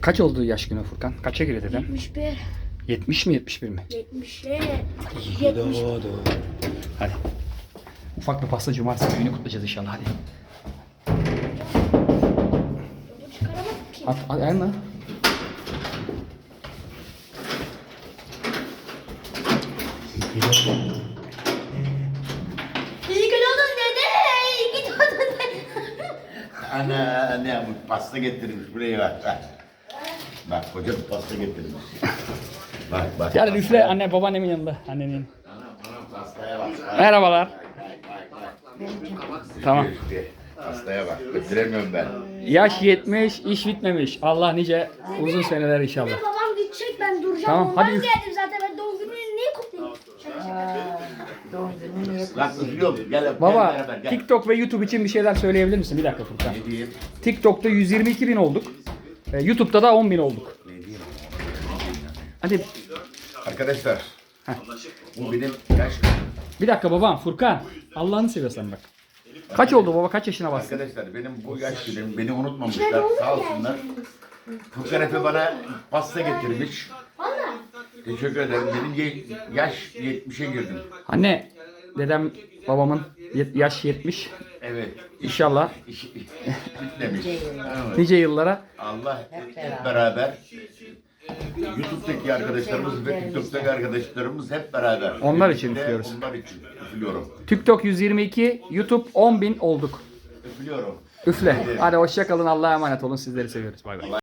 Kaç oldu yaş günü Furkan? Kaça giriyor dedem? 71. 70 mi 71 mi? 70'e. İyi 70. doğdu. Hadi. Ufak bir pasta cumartesi günü kutlayacağız inşallah hadi. Bu çıkaramadım ki. At ayağına. İyi ki doğdun dede. İyi ki doğdun dede. Anne bu pasta getirmiş buraya bak. Bak koca bir pasta getirmiş. Bak. Yani üfle anne babaannemin yanında. Annenin. Anam pastaya bak. Merhabalar. Tamam. İşte, pastaya bak. Götüremiyorum ben. Yaş 70, iş bitmemiş. Allah nice uzun seneler inşallah. Babam gidecek, ben duracağım. Tamam, Ondan hadi üf. geldim zaten, ben doğum gününü niye kutlayayım? Bak üflüyorum. Gel Baba beraber gel. TikTok ve YouTube için bir şeyler söyleyebilir misin? Bir dakika Furkan. Ne diyeyim? TikTok'ta 122 bin olduk. YouTube'da da 10 bin olduk. Ne diyeyim? Hadi Arkadaşlar. Bu benim yaş. bir dakika babam Furkan. Allah'ını seviyorsan bak. Kaç oldu baba? Kaç yaşına bastın? Arkadaşlar benim bu yaş günüm beni unutmamışlar. Sağ olsunlar. Furkan Efe bana pasta getirmiş. Teşekkür ederim. Benim yaş 70'e girdim. Anne, dedem babamın yaş 70. Evet. İnşallah İş bitmemiş. nice yıllara. Allah hep beraber YouTube'daki arkadaşlarımız ve TikTok'taki arkadaşlarımız hep beraber. Onlar için Birlikte üflüyoruz. Onlar için üflüyorum. TikTok 122, YouTube 10 bin olduk. Üflüyorum. Üfle. Hadi hoşça kalın. Allah'a emanet olun. Sizleri seviyoruz. Bay bay.